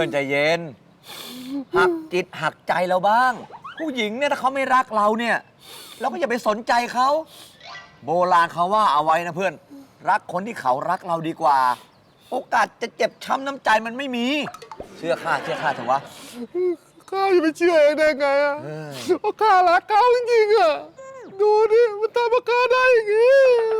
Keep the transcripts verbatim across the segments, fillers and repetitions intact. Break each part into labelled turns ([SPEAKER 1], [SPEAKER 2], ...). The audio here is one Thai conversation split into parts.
[SPEAKER 1] อนใจเย็นหักจิตหักใจเราบ้าง ผู้หญิงเนี่ยถ้าเขาไม่รักเราเนี่ยเราก็อย่าไปสนใจเขาโบราณเขาว่าเอาไว้นะเพื่อนรักคนที่เขารักเราดีกว่า โอกาสจะเจ็บช้ำน้ำใจมันไม่มี เชื่อข้าเชื่อข้าเถอะวะ
[SPEAKER 2] ข้าจะไปเชื่อเองได้ไงอ่ะเพราะข้ารักเขาจริงๆอ่ะดูดิมันทำกับข้าได้อย่างงี้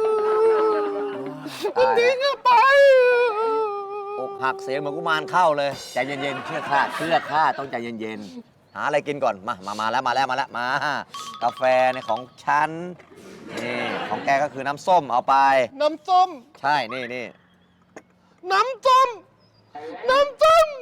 [SPEAKER 2] มันทิ้งข้าไป
[SPEAKER 1] อกหักเสียงเหมือนกุมารเข้าเลยใจเย็นๆเชื่อข้าเชื่อข้าต้องใจเย็นๆหาอะไรกินก่อนมามามาแล้วมาแล้วมาแล้วมากาแฟในของฉันนี่ของแกก็คือน้ำส้มเอาไป
[SPEAKER 2] น้ำส้ม
[SPEAKER 1] ใช่นี่นี่
[SPEAKER 2] น้ำส้ม น้ำส้ม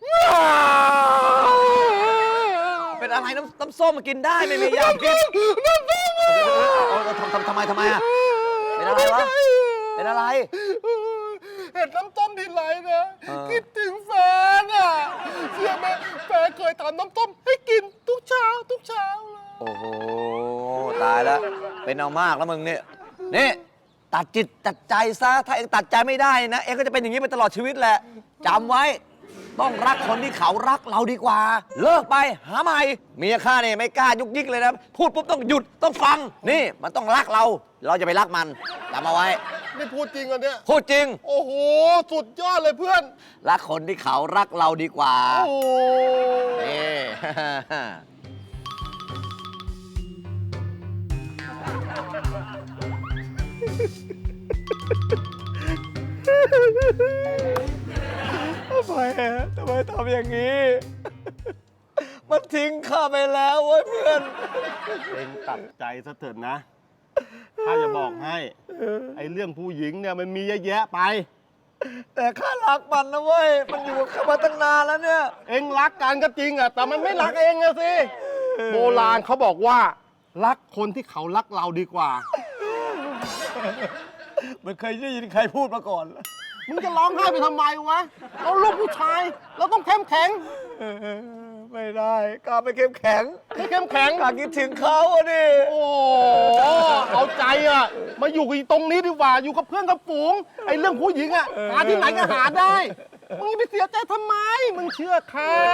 [SPEAKER 1] เป็นอะไรน้ำน้ำส้มมากินได้ไม่มีอยากกิน
[SPEAKER 2] น้ำส้ม
[SPEAKER 1] ทำทำทำไมทำไมอ่ะเป็นอะไรวะเป็นอะไร
[SPEAKER 2] เห็นน้ำส้มทีไรนะ
[SPEAKER 1] เออ
[SPEAKER 2] คิดถึงแฟนอ่ะเชื่อไหมแฟนเคยทำน้ำส้มให้กินทุกเช้าทุกเช้าเลย
[SPEAKER 1] โอ้โหตายแล้วเป็นเอามากแล้วมึงเนี่ยนี่ตัดจิตตัดใจซะถ้าเองตัดใจไม่ได้นะเองก็จะเป็นอย่างนี้ไปตลอดชีวิตแหละจำไว้ต้องรักคนที่เขารักเราดีกว่า เลิกไปหาใหม่เมียข้าเนี่ยไม่กล้ายุกยิกเลยนะพูดปุ๊บต้องหยุดต้องฟังนี่มันต้องรักเรา เราจะไปรักมันจำเอาไว้
[SPEAKER 2] นี่พูดจริงอ่ะเนี่ย
[SPEAKER 1] พูดจริง
[SPEAKER 2] โอ้โห สุดยอดเลยเพื่อน
[SPEAKER 1] รักคนที่เขารักเราดีกว่า
[SPEAKER 2] โอ้
[SPEAKER 1] นี่ ทำไมอะทำไมทำอย่างนี้ มันทิ้งข้าไปแล้วเว้ยเพื่อน
[SPEAKER 2] เองตัดใจซะเถิดนะข้าจะบอกให้ไอ้เรื่องผู้หญิงเนี่ยมันมีเยอะแยะไป
[SPEAKER 1] แต่ข้ารักมันนะเว้ย มันอยู่กับข้ามาตั้งนานแล้วเนี่ย
[SPEAKER 2] เองรักกันก็จริงอะแต่มันไม่รักเองอะสิโบราณเขาบอกว่า รักคนที่เขารักเราดีกว่า
[SPEAKER 1] มันเคยได้ยินใครพูดมาก่อน
[SPEAKER 2] มึงจะร้องไห้ไปทำไมวะเราลูกผู้ชาย เราต้องเข้มแข็ง
[SPEAKER 1] ไม่ได้ข้าไม่เข้มแข็ง
[SPEAKER 2] ไม่เข้มแข็ง
[SPEAKER 1] ข้าคิดถึงเขาอะดิ
[SPEAKER 2] โอ้เอาใจอะมาอยู่กับตรงนี้ดีกว่าอยู่กับเพื่อนกับฝูงไอ้เรื่องผู้หญิงอะหาที่ไหนก็หาได้มึงไปเสียใจทำไมมึงเชื่อข้า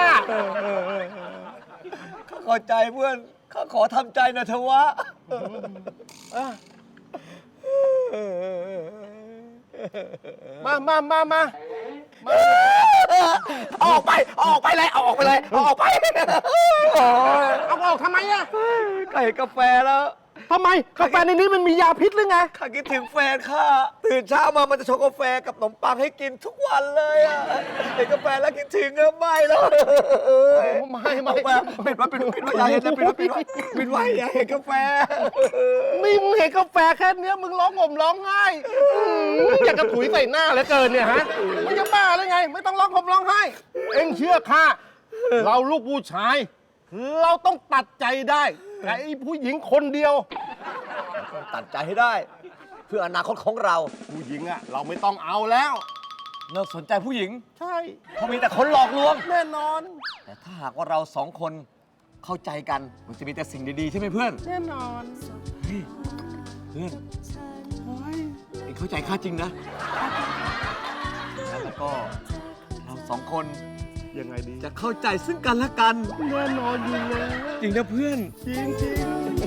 [SPEAKER 1] ข้าเข้าใจเพื่อน ข้าขอทำใจหน่อยเถอะวะ
[SPEAKER 2] มามามามามา
[SPEAKER 1] ออกไป ออกไปเลย เอาออกไปเลย เอาออกไป
[SPEAKER 2] เอาออกทำไมอะ
[SPEAKER 1] ไก่กาแฟแล้ว
[SPEAKER 2] ทำไมกาแฟในนี้มันมียาพิษหรือไง
[SPEAKER 1] ข้าคิดถึงแฟนข้า ตื่นเช้ามามันจะชงกาแฟกับขนมปังให้กินทุกวันเลยอะเห็นกาแฟแล้วคิดถึงอะไม่แล้ว
[SPEAKER 2] ไม่ไม่
[SPEAKER 1] เอาไปปิดไว้ปิดไว้ปิดไว้อย่าเห็นนะปิดไว้ปิดไว้ปิดไว้อย่าเห็นกาแฟ
[SPEAKER 2] นี่มึงเห็นกาแฟแค่เนี้ยมึงร้องห่มร้องไห้อื้ออยากกระถุยใส่หน้าเหลือเกินเนี่ยฮะมึงจะบ้าหรือไง ไม่ต้องร้องห่มร้องไห้ เอ็งเชื่อข้าเราลูกผู้ชาย เราต้องตัดใจได้แต่ไอ้ผู้หญิงคนเดียว
[SPEAKER 1] ตัดใจให้ได้ เพื่ออนาคตของเรา
[SPEAKER 2] ผู้หญิงอะเราไม่ต้องเอาแล้ว
[SPEAKER 1] เลิกสนใจผู้หญิง
[SPEAKER 2] ใช่
[SPEAKER 1] เพราะมีแต่คนหลอกลวง
[SPEAKER 2] แน่นอน
[SPEAKER 1] แต่ถ้าหากว่าเราสองคนเข้าใจกันมันจะมีแต่สิ่งดีๆใช่ไหมเพื่อน
[SPEAKER 2] แน่นอน
[SPEAKER 1] เฮ้ยเพื่อนเอ็งเข้าใจข้าจริงนะแล้วก็เราสองคน
[SPEAKER 2] ยังไงดี
[SPEAKER 1] จะเข้าใจซึ่งกันและกัน
[SPEAKER 2] แน่นอนอยู่แล้ว
[SPEAKER 1] จริงนะเพื่อน
[SPEAKER 2] จริงจริง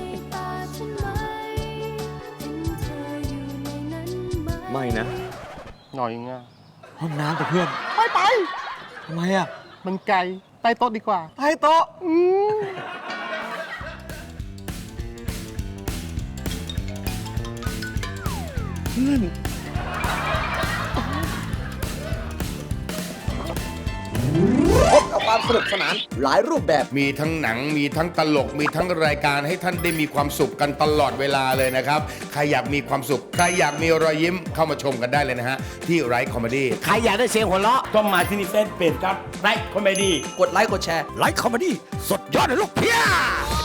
[SPEAKER 1] ไม่นะ
[SPEAKER 2] หน่อยไง
[SPEAKER 1] ห้องน้ำแต่เพื่อน
[SPEAKER 2] ไปไป
[SPEAKER 1] ทำไมอ่ะ
[SPEAKER 2] มันไกลใต้โต๊ะดีกว่า
[SPEAKER 1] ใต้โต๊ะ
[SPEAKER 2] อืม
[SPEAKER 1] เพื่อน พบกับความสนุกสนานหลายรูปแบบ
[SPEAKER 3] มีทั้งหนังมีทั้งตลกมีทั้งรายการให้ท่านได้มีความสุขกันตลอดเวลาเลยนะครับ ใครอยากมีความสุข ใครอยากมีรอยยิ้มเข้ามาชมกันได้เลยนะฮะ ที่ไรคอมเมดี้
[SPEAKER 4] ใครอยากได้เสียงหัวเราะต้องมาที่นี่เฟซเพจครับไลค์คอมเมดี้
[SPEAKER 1] กดไลค์กดแชร์ไลค์คอมเมดี้สดยอดเลยลูกเพีย